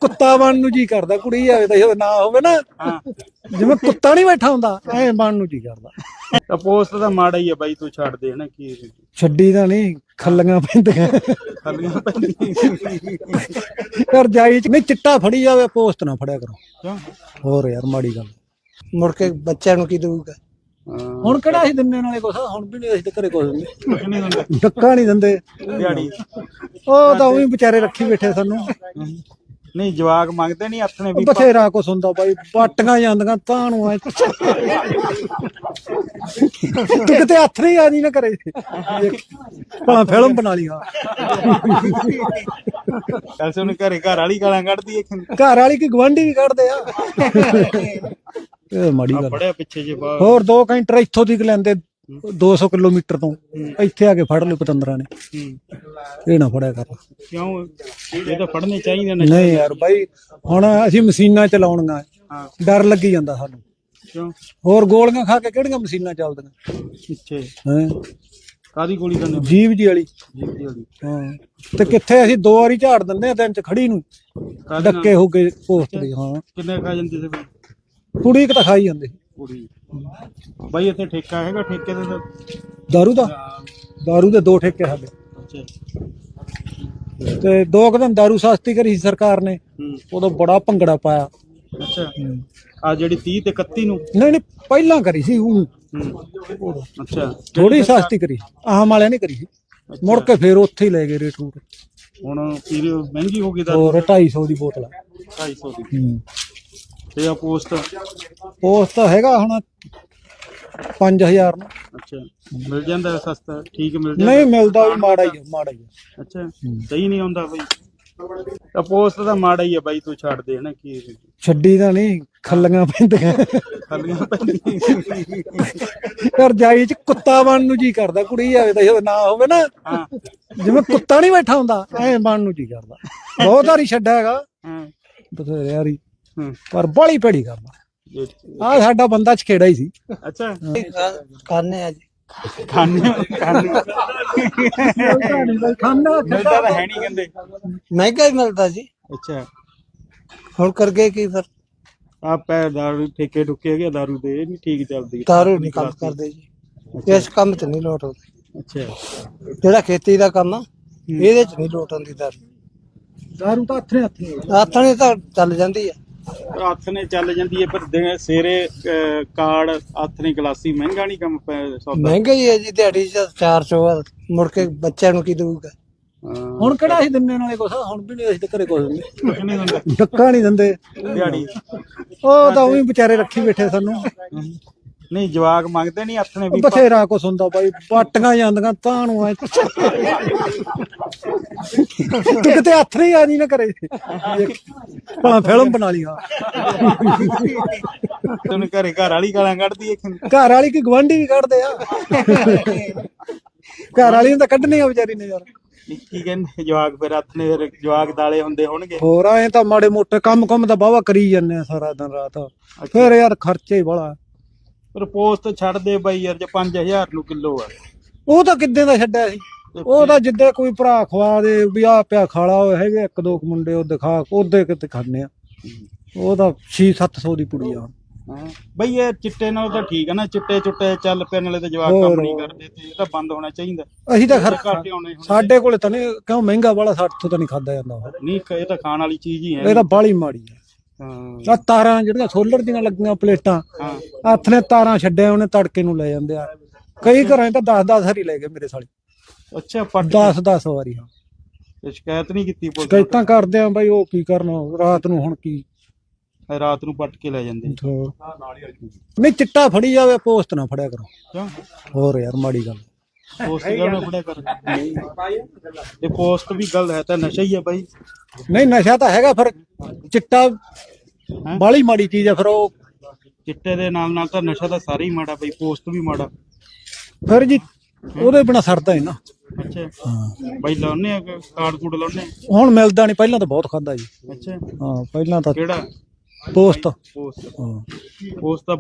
ਕੁੱਤਾ ਬਣਨ ਨੂੰ ਜੀ ਕਰਦਾ, ਕੁੜੀ ਆਵੇ ਤਾਂ ਇਹਦਾ ਨਾਂ ਹੋਵੇ ਨਾ, ਜਿਵੇਂ ਕੁੱਤਾ ਨਹੀਂ ਬੈਠਾ ਹੁੰਦਾ ਐ ਬਣਨ ਨੂੰ ਜੀ ਕਰਦਾ। ਤਾਂ ਪੋਸਟ ਤਾਂ ਮਾੜਾ ਹੀ ਆ ਬਾਈ, ਤੂੰ ਛੱਡ ਦੇ ਹਨਾ। ਕੀ ਛੱਡੀ ਤਾਂ ਨਹੀਂ, ਖੱਲੀਆਂ ਪੈਂਦੀਆਂ ਖੱਲੀਆਂ ਪੈਂਦੀਆਂ ਯਾਰ ਜਾਈ ਚ ਨਹੀਂ, ਚਿੱਟਾ ਫੜੀ ਜਾਵੇ ਪੋਸਟ ਨਾ ਫੜਿਆ ਕਰੋ। ਕਿਉਂ? ਹੋਰ ਯਾਰ ਮਾੜੀ ਗੱਲ, ਮੁੜ ਕੇ ਬੱਚਿਆਂ ਨੂੰ ਕੀ ਦਊਗਾ? ਹੁਣ ਕਿਹੜਾ ਅਸੀਂ ਦਿੰਨੇ ਨਾਲੇ ਕੁਛ, ਹੁਣ ਵੀ ਨਹੀਂ ਅਸੀਂ ਤਾਂ ਘਰੇ ਕੁਛ ਦਿੰਦੇ, ਨਹੀਂ ਹੁੰਦਾ ਡੱਕਾ ਨਹੀਂ ਦਿੰਦੇ ਦਿਹਾੜੀ। ਉਹ ਤਾਂ ਉਹੀ ਵਿਚਾਰੇ ਰੱਖੀ ਬੈਠੇ ਸਾਨੂੰ। ਨਹੀਂ ਜਵਾਕ ਮੰਗਦੇ ਨਹੀਂ ਹੱਥ ਨੇ ਵੀ ਬਥੇਰਾ ਕੁਛ ਹੁੰਦਾ ਬਾਈ, ਪਾਟੀਆਂ ਜਾਂਦੀਆਂ ਤਾਂ ਨੂੰ ਐ ਤੂੰ ਕਿਤੇ ਹੱਥ ਨਹੀਂ ਆ ਜੀ ਨਾ ਕਰੇ ਭਲਾ ਫਿਲਮ ਬਣਾ ਲਈ। ਹਾਂ ਐਸੇ ਉਹਨੇ ਘਰ ਵਾਲੀ ਗਾਲਾਂ ਕੱਢਦੀ ਹੈ, ਘਰ ਵਾਲੀ ਕੀ ਗਵਾਂਢੀ ਵੀ ਕੱਢਦੇ ਆ। ਇਹ ਮਾੜੀ ਗੱਲ ਬੜਿਆ ਪਿੱਛੇ ਜੇ ਬਾਹਰ। ਹੋਰ 2 ਘੰਟੇ ਇੱਥੋਂ ਦੀ ਲੈਂਦੇ 200 ਕਿਲੋਮੀਟਰ ਤੋਂ, ਇੱਥੇ ਆ ਕੇ ਫੜ ਲਓ ਪਤੰਦਰਾਂ ਨੇ। ਇਹ ਨਾ ਫੜਿਆ ਕਰ। ਕਿਉਂ? ਇਹ ਤਾਂ ਫੜਨੇ ਚਾਹੀਦੇ ਨੇ। ਨਹੀਂ ਯਾਰ ਬਾਈ, ਹੁਣ ਅਸੀਂ ਮਸ਼ੀਨਾਂ ਚਲਾਉਣੀਆਂ, ਡਰ ਲੱਗੀ ਜਾਂਦਾ ਸਾਨੂੰ। ਕਿਉਂ? ਹੋਰ ਗੋਲੀਆਂ ਖਾ ਕੇ ਕਿਹੜੀਆਂ ਮਸ਼ੀਨਾਂ ਚੱਲਦੀਆਂ ਪਿੱਛੇ ਹੈ? ਕਾਦੀ ਗੋਲੀ ਕਰਨੇ? ਜੀਵ ਜੀ ਵਾਲੀ। ਜੀਪ ਦੀ ਵਾਲੀ। ਹਾਂ ਤੇ ਕਿੱਥੇ ਅਸੀਂ 2 ਵਾਰੀ ਝਾੜ ਦਿੰਦੇ ਆ ਦਿਨ ਚ ਖੜੀ ਨੂੰ, ਡੱਕੇ ਹੋ ਕੇ ਪੋਸਟ ਦੇ। ਹਾਂ ਕਿੰਨੇ ਖਾ ਜਾਂਦੇ ਸੀ ਬਈ? ਕੁੜੀ ਇੱਕ ਤਾਂ ਖਾਈ ਜਾਂਦੀ ਕੁੜੀ। ਬਾਈ ਇੱਥੇ ਠੇਕਾ ਹੈਗਾ? ਠੇਕੇ ਦੇ ਤਾਂ ਦਾਰੂ ਦੇ 2 ਠੇਕੇ ਸਾਡੇ। ਅੱਛਾ। ਤੇ 2 ਕੁ ਦਿਨ ਦਾਰੂ ਸਸਤੀ ਕਰੀ ਸੀ ਸਰਕਾਰ ਨੇ, ਉਦੋਂ ਬੜਾ ਭੰਗੜਾ ਪਾਇਆ। ਅੱਛਾ। ਆ ਜਿਹੜੀ 30 ਤੇ 31 ਨੂੰ? ਨਹੀਂ ਪਹਿਲਾਂ ਕਰੀ ਸੀ ਉਹ। ਅੱਛਾ। ਥੋੜੀ ਸਸਤੀ ਕਰੀ, ਆਮ ਵਾਲਿਆਂ ਨੇ ਕਰੀ ਸੀ। ਮੁੜ ਕੇ ਫੇਰ ਉੱਥੇ ਹੀ ਲੈ ਗਏ ਰੇਟ ਰੂਟ। ਹੁਣ ਪੀਰੀ ਮਹਿੰਗੀ ਹੋ ਗਈ ਦਾ। ਹੋਰ 250 ਦੀ ਬੋਤਲ। 250 ਦੀ। ਤੇ ਆ ਪੋਸਟ ਹੈਗਾ ਹੁਣ 5000 ਨੂੰ। ਅੱਛਾ। ਮਿਲ ਜਾਂਦਾ ਸਸਤਾ? ਠੀਕ ਮਿਲ ਜਾਂਦਾ? ਨਹੀਂ ਮਿਲਦਾ ਵੀ ਮਾੜਾ ਹੀ ਆ। ਅੱਛਾ। ਸਹੀ ਨਹੀਂ ਆਉਂਦਾ ਬਈ? ਤਾਂ ਪੋਸਟ ਤਾਂ ਮਾੜਾ ਹੀ ਆ ਬਾਈ, ਤੂੰ ਛੱਡ ਦੇ ਹਨਾ। ਕੀ ਛੱਡੀ ਤਾਂ ਨਹੀਂ, ਖੱਲੀਆਂ ਪੈਂਦੀਆਂ ਖੱਲੀਆਂ ਪੈਂਦੀਆਂ ਯਾਰ ਜਾਈ ਚ ਕੁੱਤਾ ਬਣਨ ਨੂੰ ਜੀ ਕਰਦਾ, ਕੁੜੀ ਆਵੇ ਤਾਂ ਇਹਦਾ ਨਾਂ ਹੋਵੇ ਨਾ, ਜਿਵੇਂ ਕੁੱਤਾ ਨਹੀਂ ਬੈਠਾ ਹੁੰਦਾ ਐ ਬਣਨ ਨੂੰ ਜੀ ਕਰਦਾ। ਬਹੁਤ ਵਾਰੀ ਛੱਡਿਆ ਹੈਗਾ ਬਥੇਰੇ ਯਾਰੀ, ਪਰ ਬਾਹਲੀ ਭੈੜੀ ਕਰਦਾ। ਆ ਸਾਡਾ ਬੰਦਾ ਛੇੜਾ ਹੀ ਸੀ। ਅੱਛਾ। ਖਾਣੇ ਆ ਜੀ, ਖਾਣੇ ਖਾਣਾ ਮਿਲਦਾ ਤਾਂ ਹੈ ਨਹੀਂ ਕਹਿੰਦੇ। ਮਹਿੰਗਾ ਹੀ ਮਿਲਦਾ ਜੀ। ਅੱਛਾ। ਹੁਣ ਕਰਕੇ ਕੀ ਫਿਰ? ਆ ਪੈ ਦਾਰੂ ਠੇਕੇ ਠੁਕੇ ਹੈਗੇ ਦਾਰੂ ਦੇ, ਇਹ ਨਹੀਂ ਠੀਕ ਚੱਲਦੀ। ਦਾਰੂ ਨਹੀਂ ਕੰਮ ਕਰਦੇ ਜੀ, ਇਸ ਕੰਮ ਤੇ ਨਹੀਂ ਲੋਟ ਆਉਂਦੀ। ਅੱਛਾ। ਜਿਹੜਾ ਖੇਤੀ ਦਾ ਕੰਮ ਆ ਇਹਦੇ ਚ ਨਹੀਂ ਲੋਟ ਆਉਂਦੀ ਦਾਰੂ। ਤਾਂ ਹੱਥ ਨੇ ਤਾਂ ਚੱਲ ਜਾਂਦੀ ਆ। ਹੱਥ ਨੇ ਚੱਲ ਜਾਂਦੀ ਹੈ, ਪਰ ਸੇਰੇ ਕਾਰਡ ਹੱਥ ਨੇ ਗਲਾਸੀ ਮਹਿੰਗਾ ਨਹੀਂ ਕੰਮ ਸੌਦਾ। ਮਹਿੰਗਾ ਹੀ ਹੈ ਜੀ, ਦਿਹਾੜੀ ਚ 400 ਮੁੜ ਕੇ ਬੱਚਿਆਂ ਨੂੰ ਕੀ ਦਊਗਾ? ਹੁਣ ਕਿਹੜਾ ਅਸੀਂ ਦਿੰਨੇ ਨਾਲੇ ਕੁਛ, ਹੁਣ ਵੀ ਨਹੀਂ ਅਸੀਂ ਤਾਂ ਘਰੇ ਕੁਛ ਦਿੰਦੇ, ਨਹੀਂ ਹੁੰਦਾ ਡੱਕਾ ਨਹੀਂ ਦਿੰਦੇ ਦਿਹਾੜੀ। ਉਹ ਤਾਂ ਉਹੀ ਵਿਚਾਰੇ ਰੱਖੀ ਬੈਠੇ ਸਾਨੂੰ। ਨਹੀਂ ਜਵਾਕ ਮੰਗਦੇ ਨਹੀਂ ਹੱਥ ਨੇ ਵੀ ਬਥੇਰਾ ਕੁਛ ਹੁੰਦਾ ਬਾਈ, ਪਾਟੀਆਂ ਜਾਂਦੀਆਂ ਤਾਂ ਨੂੰ ਐ ਤੂੰ ਕਿਤੇ ਹੱਥ ਨਹੀਂ ਆ ਜੀ ਨਾ ਕਰੇ ਭਲਾ ਫਿਲਮ ਬਣਾ ਲਈ। ਹਾਂ ਉਹਨੇ ਘਰ ਵਾਲੀ ਗਾਲਾਂ ਕੱਢਦੀ ਹੈ। ਘਰ ਵਾਲੀ ਕੀ ਗਵਾਂਢੀ ਵੀ ਕੱਢਦੇ ਆ। ਘਰ ਵਾਲੀ ਨੂੰ ਤਾਂ ਕੱਢਣੀ ਆ ਵਿਚਾਰੀ ਨੇ ਯਾਰ। ਕੀ ਕਹਿੰਦੇ ਜਵਾਕ? ਫਿਰ ਹੱਥ ਨੇ ਫਿਰ ਜਵਾਕ ਦਾਲੇ ਹੁੰਦੇ ਹੋਣਗੇ। ਹੋਰ ਐ ਤਾਂ ਮਾੜੇ ਮੋਟੇ ਕੰਮ ਤਾਂ ਬਾਵਾ ਕਰੀ ਜਾਂਦੇ ਆ ਸਾਰਾ ਦਿਨ ਰਾਤ, ਫਿਰ ਯਾਰ ਖਰਚੇ ਹੀ ਬੜਾ। ਪਰ ਪੋਸਟ ਛੱਡ ਦੇ ਬਾਈ ਯਾਰ, ਜੇ 5000 ਨੂੰ ਕਿਲੋ ਆ। ਉਹ ਤਾਂ ਕਿੱਦਾਂ ਦਾ ਛੱਡਿਆ ਸੀ, ਉਹ ਤਾਂ ਜਿੱਦੇ ਕੋਈ ਭਰਾ ਖਵਾ ਦੇ ਵੀ ਆ ਪਿਆ ਖਾਲਾ ਹੋਏ ਹੈਗੇ 1-2 ਮੁੰਡੇ ਉਹ ਦਿਖਾ ਉਹਦੇ ਕਿਤੇ ਖਾਣੇ ਆ। ਉਹ ਤਾਂ 600-700 ਦੀ ਪੁੜੀ ਆ। ਬਈ ਇਹ ਚਿੱਟੇ ਨਾਲ ਤਾਂ ਠੀਕ ਹੈ ਨਾ, ਚਿੱਟੇ ਚੱਲ ਪੈਣ ਵਾਲੇ ਤਾਂ ਜਵਾਕ ਕੰਮ ਨਹੀਂ ਕਰਦੇ, ਤੇ ਇਹ ਤਾਂ ਬੰਦ ਹੋਣਾ ਚਾਹੀਦਾ। ਅਸੀਂ ਤਾਂ ਘੱਟ ਆਉਣੇ ਸਾਡੇ ਕੋਲੇ ਤਾਂ ਨਹੀਂ, ਕਿਉਂ ਮਹਿੰਗਾ ਵਾਲਾ, ਸਾਡੇ ਤੋਂ ਤਾਂ ਨਹੀਂ ਖਾਦਾ ਜਾਂਦਾ। ਨਹੀਂ ਇਹ ਤਾਂ ਖਾਣ ਵਾਲੀ ਚੀਜ਼ ਹੀ ਹੈ। ਇਹ ਤਾਂ ਬਾਹਲੀ ਮਾੜੀ ਆ। ਆ ਤਾਰਾਂ ਜਿਹੜੀਆਂ ਸੋਲਰ ਦੀਆਂ ਲੱਗੀਆਂ ਪਲੇਟਾਂ, ਹੱਥ ਨੇ ਤਾਰਾਂ ਛੱਡਿਆ ਉਹਨੇ ਤੜਕੇ ਨੂੰ ਲੈ ਜਾਂਦੇ ਆ। ਕਈ ਘਰਾਂ 'ਚ ਤਾਂ 10-10 ਵਾਰੀ ਲੈ ਗਏ ਮੇਰੇ ਸਾਲੇ। ਅੱਛਾ। 10-10 ਵਾਰੀ। ਹਾਂ ਸ਼ਿਕਾਇਤ ਨਹੀਂ ਕੀਤੀ? ਸ਼ਿਕਾਇਤਾਂ ਕਰਦੇ ਆ ਬਾਈ, ਉਹ ਕੀ ਕਰਨਾ ਰਾਤ ਨੂੰ। ਹੁਣ ਕੀ ਰਾਤ ਨੂੰ ਪੱਟ ਕੇ ਲੈ ਜਾਂਦੇ। ਨਹੀਂ ਚਿੱਟਾ ਫੜੀ ਜਾਵੇ ਪੋਸਟ ਨਾ ਫੜਿਆ ਕਰੋ। ਕਿਉਂ? ਹੋਰ ਯਾਰ ਮਾੜੀ ਗੱਲ। ਪੋਸਟ ਕਿਉਂ ਫੜਿਆ ਕਰ? ਇਹ ਪੋਸਟ ਵੀ ਗੱਲ ਹੈ ਤਾਂ ਨਸ਼ਾ ਹੀ ਹੈ ਬਾਈ। ਨਹੀਂ ਨਸ਼ਾ ਤਾਂ ਹੈਗਾ, ਫਿਰ ਚਿੱਟਾ ਬਾਹਲੀ ਮਾੜੀ ਚੀਜ਼ ਆ। ਫਿਰ ਉਹ ਚਿੱਟੇ ਦੇ ਨਾਲ ਤਾਂ ਨਸ਼ਾ ਤਾਂ ਸਾਰਾ ਹੀ ਮਾੜਾ ਬਈ, ਪੋਸਟ ਵੀ ਮਾੜਾ ਫਿਰ ਜੀ, ਉਹਦੇ ਬਿਨਾ ਸਰਦਾ ਹੀ ਨਾ। ਅੱਛਾ। ਬਾਈ ਲਾਉਨੇ ਆ ਕਾਰਡ ਕੂਡ ਲਾਉਨੇ? ਹੁਣ ਮਿਲਦਾ ਨਹੀਂ, ਪਹਿਲਾਂ ਤਾਂ ਬਹੁਤ ਖਾਦਾ ਜੀ। ਅੱਛਾ। ਹਾਂ ਪਹਿਲਾਂ ਤਾਂ ਕਿਹੜਾ? ਪੋਸਟ। ਪੋਸਟ ਤਾਂ